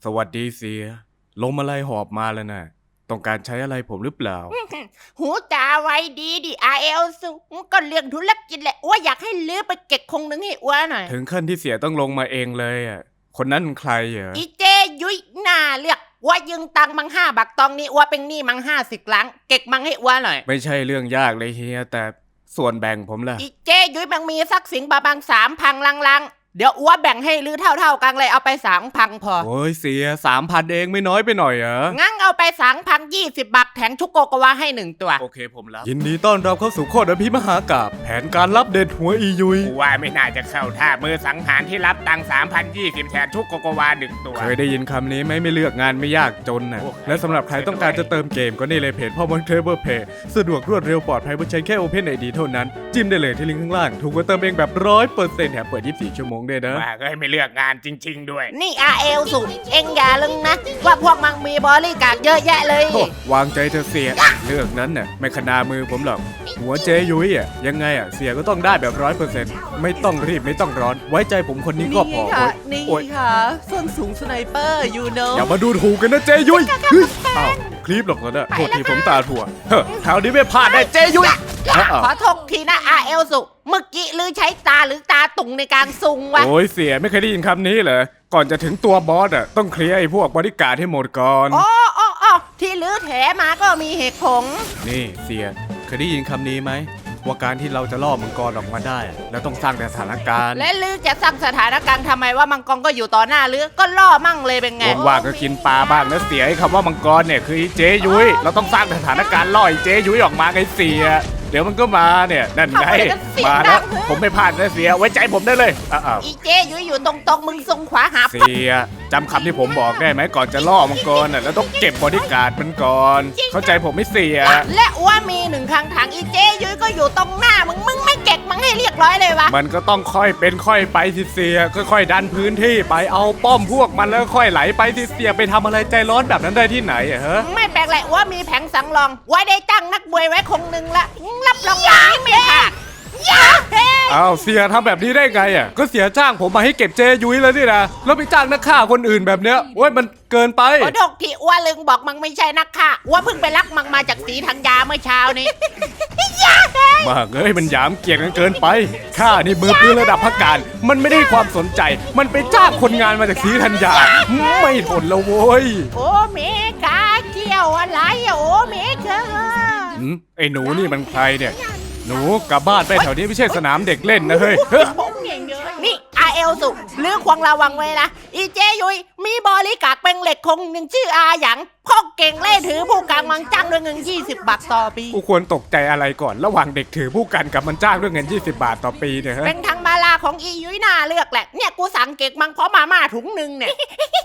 สวัสดีเสียลมอะไรหอบมาแล้วนะต้องการใช้อะไรผมหรือเปล่าหูตาไว้ดีดิอาเอลสูก็เรื่องธุรกิจแหละอ้วอยากให้ลื้อไปเก็บคงนึงให้อ้วหน่อยถึงขั้นที่เสียต้องลงมาเองเลยอ่ะคนนั้นใครเหรออีเจยุ้ยหน้าเลือกอ้วยืงตังมัง5 บาทตองนี้อ้วเป็นหนี้มัง50 ล้านเก็บมังให้อ้วหน่อยไม่ใช่เรื่องยากเลยเฮียแต่ส่วนแบ่งผมล่ะอีเจยุ้ยมังมีสักสิงบาบาง3,000ลังเดี๋ยวอ้วแบ่งให้ลื้อเท่ากันเลยเอาไป3,000พอโอ้ยเสีย3,000เองไม่น้อยไปหน่อยเหรองั้นเอาไป3,020 บาทแถมชุกโกโกวาให้1 ตัวโอเคผมรับยินดีต้อนรับเข้าสู่โคตรอภิมหากาพย์แผนการรับเด็ดหัวอียุยกูว่าไม่น่าจะเข้าท่ามือสังหารที่รับตังค์3,020แทนทุกโกโกวา1 ตัวเคยได้ยินคำนี้ไหมไม่เลือกงานไม่ยากจนน่ะโอ้และสำหรับใครต้องการจะเติมเกมก็นี่เลยเพจพ่อมอนเทเบิลเพย์สะดวกรวดเร็วปลอดภัยบนใช้แค่ Open ID เท่านั้นจิ้มได้เลยที่ลิงก์ข้างล่างถูกกว่าเติมเองแบบ100%แถมเปิด24 ชั่วโมงด้วยนะว่าก็ไม่เลือกงานจริง ๆ ด้วยนี่อาเอลสูเอ็งอย่าลืมนะว่าพวกมังมีบริการเยอะแยะเลยโอ้วางใจเธอเสียเรื่องนั้นน่ะไม่ขนามือผมหรอกหัวเจยุ้ยอ่ะยังไงอ่ะเสียก็ต้องได้แบบ100%ไม่ต้องรีบไม่ต้องร้อน ไว้ใจผมคนนี้ก็พอค่ะโอ๊ยนี่โอ๊ยค่ะส้นสูงสไนเปอร์ยูโนอย่ามาดูถูกกันนะเจยุ้ยเฮ้ยอ้าวคลิปหรอกนะโทษทีผมตาถั่วเฮ้อคราวนี้ไม่พลาดได้เจยุ้ยอ้าวขอโทษทีนะอาเอลสุเมื่อกี้ลือใช้ตาหรือตาตุ่งในการซุงวะโอ้ยเสียไม่เคยได้ยินคำนี้เหรอก่อนจะถึงตัวบอสอ่ะต้องเคลียร์ไอ้พวกบริการดให้หมดก่อนอ๋อที่ลือแถมาก็มีเหตุผลนี่เสียเคยได้ยินคำนี้ไหมว่าการที่เราจะล่อมังกรออกมาได้อะแล้วต้องสร้างแต่สถานการณ์และลือจะสร้างสถานการณ์ทำไมว่ามังกรก็อยู่ต่อหน้าลือก็ล่อมั่งเลยเป็นไงว่างๆก็กินปลาบ้างแล้วเสียไอ้คำว่ามังกรเนี่ยคือไอ้เจยุ้ยเราต้องสร้างสถานการณ์ล่อไอ้เจยุ้ยออกมาไงเสียเดี๋ยวมันก็มาเนี่ยนั่นไงมาแล้วผมไม่พลาดนะเสียไว้ใจผมได้เลยอ้าวอีเจอยู่ตรงมึงทรงขวาหาเสียจำคำที่ผมบอกได้ไหมก่อนจะล่อมังกรน่ะแล้วต้องเก็บบอดี้การ์ดมันก่อน เข้าใจผมไม่เสียและว่ามี1 ครั้งถังอีเจยุ้ยก็อยู่ตรงหน้ามึงไม่เก็บมังให้เรียบร้อยเลยวะมันก็ต้องค่อยเป็นค่อยไปสิเสียค่อยๆดันพื้นที่ไปเอาป้อมพวกมันแล้วค่อยไหลไปสิเสียไปทำอะไรใจร้อนแบบนั้นได้ที่ไหนอะฮะไม่แปลกแหละว่ามีแผงสังรอง ไว้ได้ตั้งนักบวยไว้คงหนึ่งละรับรองอย่างนี้ไม่พลาดยาเฮ้อ้าวเสียทำแบบนี้ได้ไงอ่ะก็เสียจ้างผมมาให้เก็บเจยุ้ยแล้วนี่นะแล้วไปจ้างนักฆ่าคนอื่นแบบเนี้ยโอ้ยมันเกินไปขอโทษที่อ้วนลึงบอกมังไม่ใช่นักฆ่าอ้วนเพิ่งไปรักมังมาจากสีธัญญาเมื่อเช้านี้ ยาเฮ้มากเอ้ยมันหยามเกียรติกันเกินไปข้านี่มือปืนระดับพักการมันไม่ได้ความสนใจ มันไปจ้างคนงานมาจากศรีธัญญาไม่ทนแล้วโว้ยโอเมกาเกี่ยวอะไรอะโอเมกาไอ้หนูนี่มันใครเนี่ยหนูกลับบ้านไปแถวนี้ไม่ใช่สนามเด็กเล่นนะเฮ้ยนี่อาเอลสุเรื่องควงระวังไว้นะอีเจยุยมีบริการเป็นเหล็กคงหนึ่งชื่ออาหยังพ่อเก่งเล่ถือผู้กลางมังจ้างด้วยเงิน20 บาทต่อปีกูควรตกใจอะไรก่อนระหว่างเด็กถือผู้กันกับมันจ้างด้วยเงิน20 บาทต่อปีเนี่ยฮะเป็นทางมาลาของอียุ้ยน่าเลือกแหละเนี่ยกูสั่งเก็กมังเพราะมาม่าถุงหนึ่งเนี่ย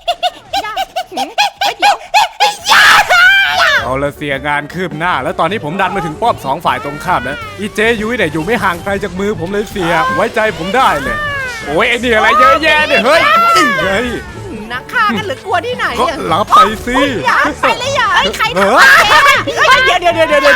เดี๋ยวเอาละเสียงานคืบหน้า แล้วตอนนี้ผมดันมาถึงป้อม2 ฝ่ายตรงข้ามแล้วอีเจยุ้ยเนี่ยอยู่ไม่ห่างไกลจากมือผมเลยเสียไว้ใจผมได้เลยโอ้ยไอ้นี่อะไรเยอะแยะเนี่ยเฮ้ยเฮ้ยนักฆ่ากันหรือกลัวที่ไหนก็อะรับไปสิอย่าไปเลยอย่าไอ้ใครเอทำอเดี๋ยว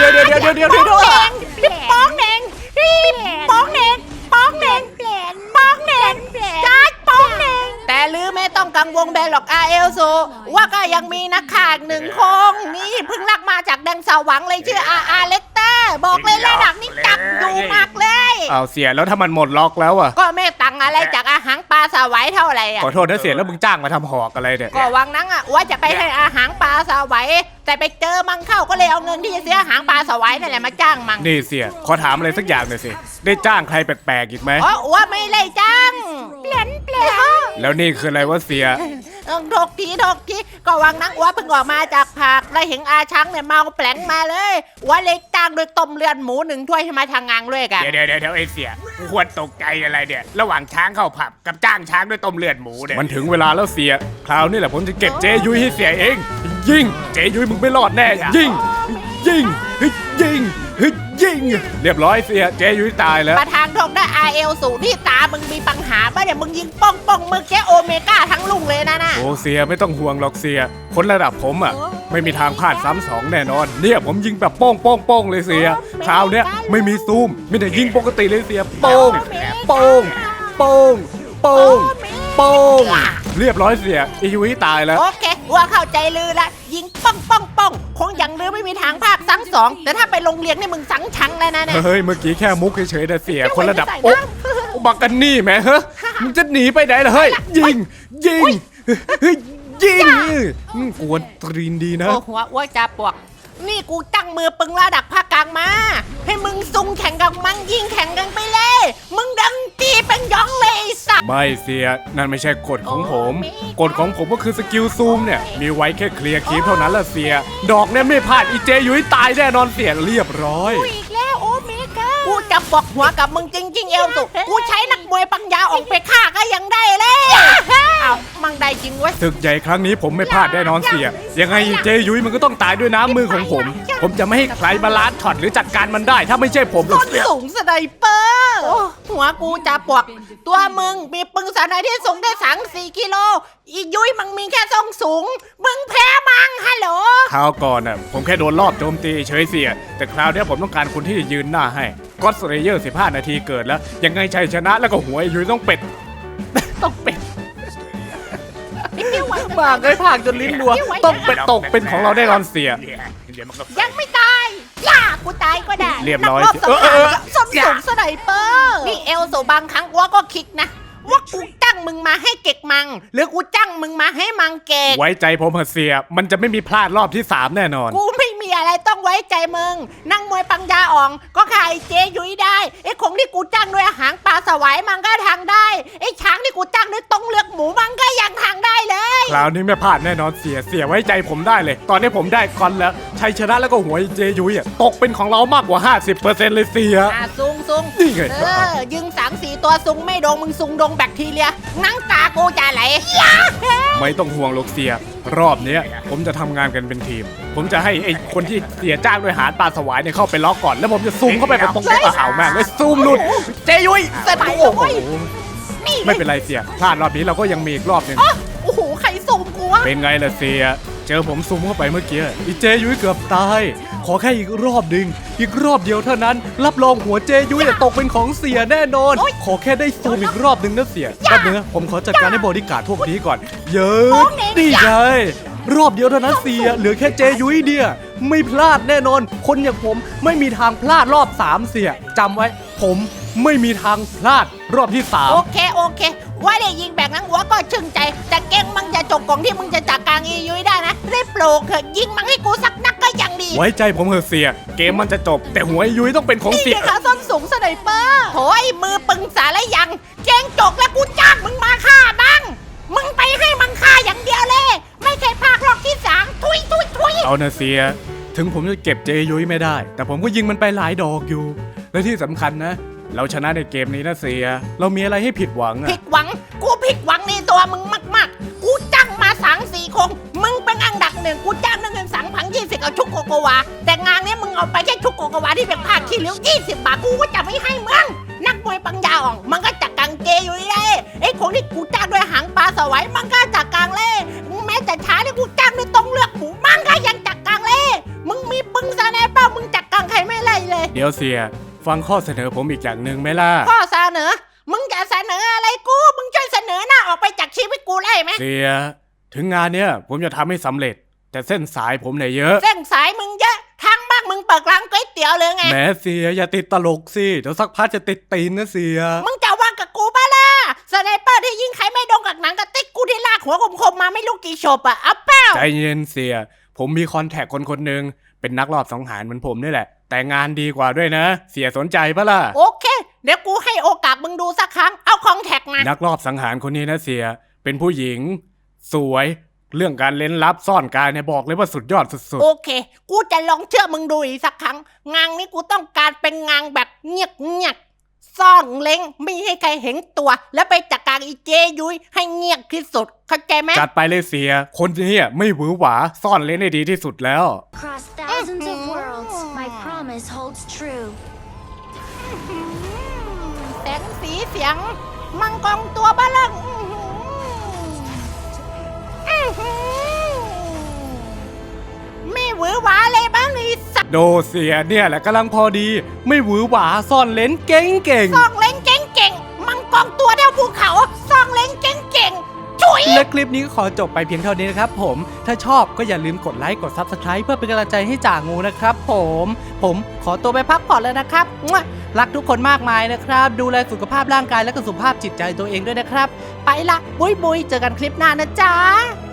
ป้องเน่งป้องเน่งป้องเน่งป้องเน่งจ้าป้องเน่งแต่ลือไม่ต้องกังวลแบนหรอกอาเอลโซว่าก็ยังมีนักข่าหนึ่งคงนี่เพิ่งลักมาจากแดงสว่างเลยชื่ออาเล็กเตอร์บอกเลยระดับนี้จับอยู่มากเลยเอาเสียแล้วถ้ามันหมดล็อกแล้วอ่ะก็ไม่ตังอะไรจากอาหารปลาสวายเท่าไหร่อ่ะขอโทษนะเสียแล้วมึงจ้างมาทำหอกอะไรเนี่ยก็วังนั้นอ่ะว่าจะไปให้อาหารปลาสวายแต่ไปเจอมังเข้าก็เลยเอาเงินที่จะเสียอาหารปลาสวายนั่นแหละมาจ้างมังนี่เสียขอถามอะไรสักอย่างหน่อยสิได้จ้างใครแปลกๆอีกไหมอ๋อว่าไม่เลยจ้างเปลี่ยนแล้วนี่คืออะไรวะเสียถกทีก็วังนั้นว่าเพิ่งออกมาจากผักแล้วเห็นอาช้างเนี่ยเมาแปลงมาเลยว่าเลยจ้างโดยต้มเลือดหมู1 ถ้วยให้มาทางงานด้วยกันเดี๋ยวไอ้เสียกูควรตกใจอะไรเนี่ยระหว่างช้างเข้าผับกับจ้างช้างด้วยต้มเลือดหมูเนี่ยมันถึงเวลาแล้วเสียคราวนี้แหละผมจะเก็บเจยุ้ยให้เสียเองยิงเจยุ้ยมึงไม่รอดแน่ยิงเฮ้ยยิงเรียบร้อยเสียเจยุ้ยตายแล้วประธานทงได้อาเอลสูที่ตามึงมีปัญหาป่ะเนี่ยมึงยิงป้องมือแกโอเมก้าทั้งลุงเลยนะโอ้เสียไม่ต้องห่วงหรอกเสียคนระดับผมอ่ะไม่มีทางพลาดซ้ำ2แน่นอนเนี่ยผมยิงแบบโป้งเลยเสียคราวเนี้ยไม่มีซูมมีแต่ยิงปกติเลยเสียโป้งเรียบร้อยเสียไอ้ยุ้ยตายแล้วโอเคว่าเข้าใจลือละยิงป้องป้องป้องคงอย่างลือไม่มีทางภาคสังสองแต่ถ้าไปโรงเรียนนี่มึงสังชังแล้วนะเนี่ยเฮ้ยเมื่อกี้แค่มุกเฉยๆนะเสียไม่ไหวคนระดับไม่ใส่โอ๊ะน้ำบักกันนี่แหมเฮ้ยมึงจะหนีไปไหนล่ะเฮ้ยยิงยิงเฮ้ยยิงกวนตรีนดีนะโอ้หัวอ้วจะปวกนี่กูตั้งมือปึงระดับภาคกลางมา ให้มึงซุงแข่งกับมันยิงแข่งกันไปเลย มึงดังตีเป็นยองเลยไอ้สัตว์ไม่เสียนั่นไม่ใช่กฎของผมโอ้กฎของผมก็คือสกิลซูมเนี่ยมีไว้แค่เคลียร์คลิปเท่านั้นละเสีย ดอกเนี่ยไม่พลาดอีเจยุ้ยตายแน่นอนเสียเรียบร้อยกูอีกแล้วโอเมก้ากูจะบอกหัวกับมึงจริงๆเอลสุกูใช้นักมวยปัญญาออกไปฆ่าก็ยังได้เลยเอามังได้จริงเว้ยศึกใหญ่ครั้งนี้ผมไม่พลาดแน่นอนเสีย ยังไงเจยุ้ยมันก็ต้องตายด้วยน้ำมือของผม ผมจะไม่ให้ใครมาล้านช็อตหรือจัดการมันได้ ถ้าไม่ใช่ผมหรอกต้นเสียสูงสไนเปอร์หัวกูจะปวก ตัวมึงมีปึงสไนที่สูงได้3-4 กิโล อียุ้ยมึงมีแค่ทรงสูง มึงแพ้มังฮัลโหลคราวก่อนน่ะผมแค่โดนรอบโจมตีเฉยเสีย แต่คราวเนี้ยผมต้องการคนที่ยืนหน้าให้ก็อดสเลเยอร์15 นาทีเกิดแล้ว ยังไงชัยชนะแล้วก็หัวไอ้ยุ้ยต้องเป็ด ต้องเป็ดมากเลยผากจนลิ้นรัวต้องเป็ดตกเป็นของเราได้นอนเสียเดี๋ยวมันก็ยังไม่ตายย่ากูตายก็ได้เรียบร้อยนักรบสังหาร ส้นอย่าสูงสไนเปอร์นี่เอลโซบางครั้งวัวก็คิดนะ ว่ากูจ้างมึงมาให้เก็กมัง หรือกูจ้างมึงมาให้มังเก็กไว้ใจผมเถอะเสีย มันจะไม่มีพลาดรอบที่ 3 แน่นอนกูไม่มีอะไรต้องไว้ใจมึง นั่งมวยปังยาอ่อง ก็ขายเจยุ้ยได้ไอ้คงที่กูจ้างด้วยหางปลาสวายมันก็ทางได้ไอ้ช้างที่กูจ้างด้วยต้งเลือกหมูมันก็ยังทางได้เลยคราวนี้ไม่พลาดแน่นอนเสีย เสียไว้ใจผมได้เลย ตอนนี้ผมได้คอนแล้วชัยชนะแล้วก็หัวไอ้เจยุ้ยอะตกเป็นของเรามากกว่า 50%เลยเสียซุงซุงนี่ไงยิง3-4 ตัวซุงไม่โดงมึงซุงโดงแบคทีเรียนั่งตากูจะไหลไม่ต้องห่วงหรอกเสีย รอบเนี้ยผมจะทำงานกันเป็นทีม ผมจะให้ไอ้คนที่เสียจ้างด้วยหารปลาสวายเนี่ยเข้าไปล็อกก่อน แล้วผมจะซูมเข้าไปตรงกระเหาแม่งเลยซูมหลุด เจยุ้ยเสร็จโอ้โหนี่ไม่เป็นไรเสีย พลาดรอบนี้เราก็ยังมีอีกรอบหนึงโอ้โหใครซุมกูวะเป็นไงล่ะเสีย เจอผมซูมเข้าไปเมื่อกี้อีเจยุ้ยเกือบตาย ขอแค่อีกรอบหนึ่งอีกรอบเดียวเท่านั้น รับรองหัวเจยุ้ยจะตกเป็นของเสียแน่นอน ขอแค่ได้ซูมอีกรอบหนึ่งนะเสียแป๊บนึงนะผมขอจัดการให้บริการดพวกนี้ก่อน เยอะดีไงรอบเดียวเท่านั้นเสีย เหลือแค่เจยุ้ยเดียไม่พลาดแน่นอน คนอย่างผมไม่มีทางพลาดรอบ3เสียจำไว้ ผมไม่มีทางพลาดรอบที่3 โอเคว่าได้ยิงแบบนั้นหัวก็ชื่นใจ แต่เก่งมังจะจบกล่องที่มึงจะจัดการอียุ้ยได้นะได้โปรเถอะยิงมังให้กูสักนักก็ยังดีไว้ใจผมเถอะเสีย เกมมันจะจบ แต่หัวไอ้ยุ้ยต้องเป็นของนี่เสียไงคะส้นสูงสไนเปอร์โอยมือปึงสารยังเก่งจกแล้วกูจ้างมึงมาฆ่าบ้างมึงไปให้มังฆ่าอย่างเดียวเลย ไม่เคยพากรอบที่3ทุยเอานะเสีย ถึงผมจะเก็บเจยุ้ยไม่ได้ แต่ผมก็ยิงมันไปหลายดอกอยู่ และที่สำคัญนะ เราชนะในเกมนี้นะเสีย เรามีอะไรให้ผิดหวังอะผิดหวังกูผิดหวังในตัวมึงมากๆกูจ้างมา3-4 คงมึงเป็นอันดับ1กูจ้างเงิน3,020เอาชุกโกโกวาแต่งานนี้มึงเอาไปแค่ชุกโกโกวาที่เป็นผ้าขี้ริ้ว20 บาทกูก็จะไม่ให้มึงนักมวยปังยาอ่องมันก็จัดกังเจอยู่เลยไอ้คนที่กูจ้างด้วยหางปลาสวายมันก็จัดกังเลยแม้แต่ช้าที่กูจ้างด้วยต้องเลือกหมูมันก็ยังจัดกังเลยมึงมีปึงซาแนเป้ามึงจัดกังใครไม่ไล่เลยเดี๋ยวเสีย ฟังข้อเสนอผมอีกอย่างหนึ่งไหมล่ะข้อเสนอมึงจะเสนออะไรกูมึงช่วยเสนอหน้าออกไปจากชีวิตกูได้ไหมเสีย ถึงงานเนี้ยผมจะทำให้สำเร็จ แต่เส้นสายผมเนี่ยเยอะเส้นสายมึงเยอะทางบ้านมึงเปิดร้านก๋วยเตี๋ยวเลยไงแหมเสียอย่าติดตลกสิ เดี๋ยวสักพักจะติดตีนนะเสียมึงจะว่างกับกูปะล่ะสไนเปอร์ที่ยิงใครไม่โดนกับหนังกระติกกูที่ลากหัวคมๆมาไม่รู้กี่ศพอะเอาเป้าใจเย็นเสีย ผมมีคอนแทคคนหนึ่งเป็นนักรอบสังหารเหมือนผมนี่แหละ แต่งานดีกว่าด้วยนะ เสียสนใจปะล่ะโอเค เดี๋ยวกูให้โอกาสมึงดูสักครั้งเอาคองแท็กมานักรอบสังหารคนนี้นะเสีย เป็นผู้หญิง สวย เรื่องการเล่นลับซ่อนกายเนี่ยบอกเลยว่าสุดยอดสุดโอเค กูจะลองเชื่อมึงดูอีกสักครั้งงานนี้กูต้องการเป็นงานแบบเงียบซ่อนเล้งไม่ให้ใครเห็นตัว แล้วไปจัดการอีเจยุ้ยให้เงียบที่สุดเข้าใจไหมๆจัดไปเลยเสีย คนนี้ไม่หวือหวาซ่อนเล่นได้ดีที่สุดแล้ว Across thousands of worlds, my promise holds true. แสงสีเสียง มังกรตัวบ้าเริ่มไม่หวือหวาเลยบ้างไอ้สัตว์โดเสียเนี่ยแหละกำลังพอดี ไม่หวือหวาซ่อนเล่นเก่งซ่องเล้งเก่งๆมังกรตัวเดียวภูเขาซ่องเล้งเก่งๆจุ๋ยและคลิปนี้ก็ขอจบไปเพียงเท่านี้นะครับผมถ้าชอบก็อย่าลืมกดไลค์กด Subscribe เพื่อเป็นกำลังใจให้จ่างูนะครับผมขอตัวไปพักผ่อนแล้วนะครับรักทุกคนมากมายนะครับดูแลสุขภาพร่างกายและก็สุขภาพจิตใจตัวเองด้วยนะครับไปละบุยเจอกันคลิปหน้านะจ๊ะ